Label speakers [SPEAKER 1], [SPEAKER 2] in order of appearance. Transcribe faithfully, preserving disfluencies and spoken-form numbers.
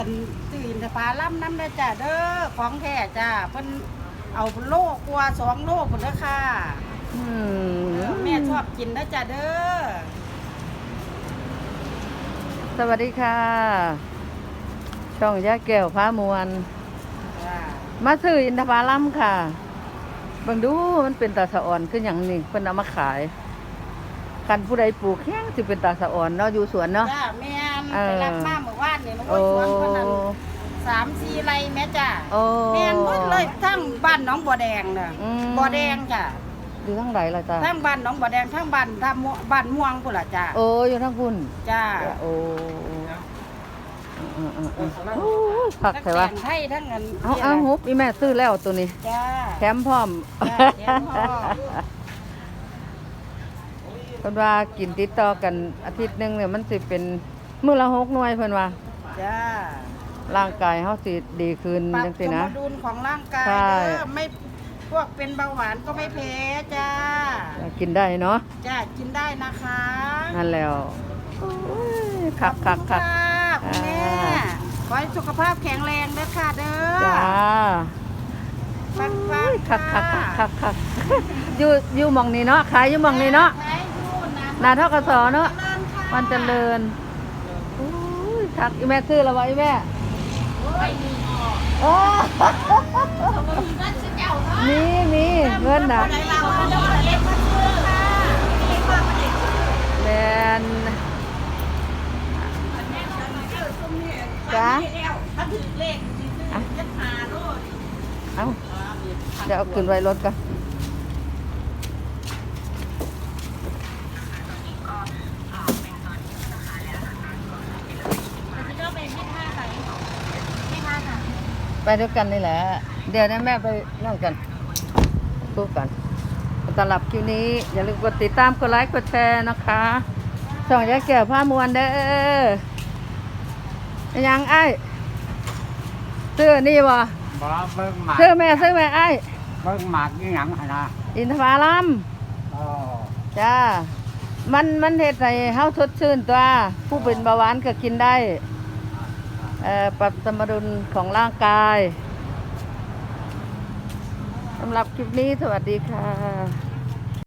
[SPEAKER 1] ตื่นแต่ปลาล่ำน้ำได้จ้ะเด้อของแท้จ้ะเพิ่นเอาโลกกว่าสองโลกพุ่นเด้อค่ะ
[SPEAKER 2] อืม
[SPEAKER 1] แม่ชอบกินนะจ้ะเด้อ
[SPEAKER 2] สวัสดีค่ะ ช่องย่าแก้วฟ้ามวล
[SPEAKER 1] จ้ะ
[SPEAKER 2] มาซื้ออินทผลัมค่ะเบิ่งดูมันเป็นตาสะอ่อนคือหยังนี่เพิ่นเอามาขายคันผู้ใดปลูกแห้งสิเป็นตาสะอ่อนเนาะอยู่สวนเนาะ
[SPEAKER 1] จ้ะแม่น
[SPEAKER 2] เออ
[SPEAKER 1] ไปรับมาเมื่อวานนี่น้อง
[SPEAKER 2] โอ้
[SPEAKER 1] อ้วนชวนเพิ่นนั่นสามสี่ไร่แม่จ้ะ
[SPEAKER 2] โอ้
[SPEAKER 1] แม่นหมดเลยทั้งบ้านหนองบัวแดงน่ะ
[SPEAKER 2] อืม
[SPEAKER 1] บัวแดงจ้ะ
[SPEAKER 2] อยู่ทั้งไหนล่ะจ้ะ
[SPEAKER 1] ทั้งบ้านหนองบัวแดงทั้งบ้านท่าม่วงบ้านม่วงพุ่นล่ะจ้ะ
[SPEAKER 2] โอ้อยู่ทั้งพุ่น
[SPEAKER 1] จ้ะ
[SPEAKER 2] โอ้อืมๆๆโอ้ยผัก
[SPEAKER 1] ทั้ง
[SPEAKER 2] ใช่
[SPEAKER 1] แต
[SPEAKER 2] ปะ
[SPEAKER 1] งไทยทั้งเงิน
[SPEAKER 2] เอาเอาฮุบอีแม่ซื้อแล้วตัวนี้
[SPEAKER 1] จ้า
[SPEAKER 2] แถมพร้อม
[SPEAKER 1] จ้าแถมพร้อม
[SPEAKER 2] เพิ่นว่ากินติดต่อกันอาทิตย์หนึงเนี่ยมันสิเป็นมื้อละหกหน่วยเพิ่นว่า
[SPEAKER 1] จ้า
[SPEAKER 2] ร่างกายเฮาสิดีขึ้น
[SPEAKER 1] ปรับ
[SPEAKER 2] จัง
[SPEAKER 1] ส
[SPEAKER 2] ซี่
[SPEAKER 1] ม
[SPEAKER 2] นะ
[SPEAKER 1] ดุลของร่างกาย
[SPEAKER 2] ใช่
[SPEAKER 1] เด้อไม่พวกเป็นเบาหวานก็ไม่แพ้จ้า
[SPEAKER 2] กินได้เนาะ
[SPEAKER 1] จ้ากินได้นะคะ
[SPEAKER 2] นั่นแล้วคักคักคัก
[SPEAKER 1] ขอบคุณค่ะคุณแม่
[SPEAKER 2] อ่า
[SPEAKER 1] ขอให้สุขภาพแข็งแรงเด้อค่ะเด้อ
[SPEAKER 2] จ้า
[SPEAKER 1] ปังปัง
[SPEAKER 2] คักคักคักคักคักอยู่อยู่หม่องนี้เนาะขายอยู่หม่องนี้เนาะ
[SPEAKER 1] ใช้ยูนะ
[SPEAKER 2] หนาทกสเนาะ
[SPEAKER 1] เจริญค่ะ
[SPEAKER 2] มันเจริญอุ้ยคักอีแม่ซื้อแล้วบ่อีแม่
[SPEAKER 1] ไม่มีออก
[SPEAKER 2] โอ้
[SPEAKER 1] มีเงินสิเจ้าเนาะ
[SPEAKER 2] มีมีเงินน่ะ
[SPEAKER 1] ไหนเราเอาเดี๋ยวเอาเล็กมาซื้อค่ะนี่ว่ามันเด็ก
[SPEAKER 2] แม่นจ้า
[SPEAKER 1] ถ้าถือเลขซื้อจะหาโลด
[SPEAKER 2] เอ้าเดี๋ยวเอาขึ้นไว้รถก่อนไปด้วยกันนี่แหละ เดี๋ยวนะแม่ไปนั่งกันพูดกันสำหรับคลิปนี้ อย่าลืมกดติดตามกดไลค์กดแชร์นะคะช่องยายแก้วผ้ามวลเด้อยังไอ้ซื้อนี่บ่
[SPEAKER 3] บ่เบิ่งหมาก
[SPEAKER 2] ซื้อแม่ซื้อแม่ไอ้
[SPEAKER 3] เบิ่งหมากอีหยังหั่นนะ
[SPEAKER 2] อินทผลัม
[SPEAKER 3] อ๋อ
[SPEAKER 2] จ้า มันมันเฮ็ดให้เฮาสดชื่นตัว ผู้เป็นเบาหวานก็กินได้ เอ่อ ปรับสมดุลของร่างกาย สำหรับคลิปนี้สวัสดีค่ะ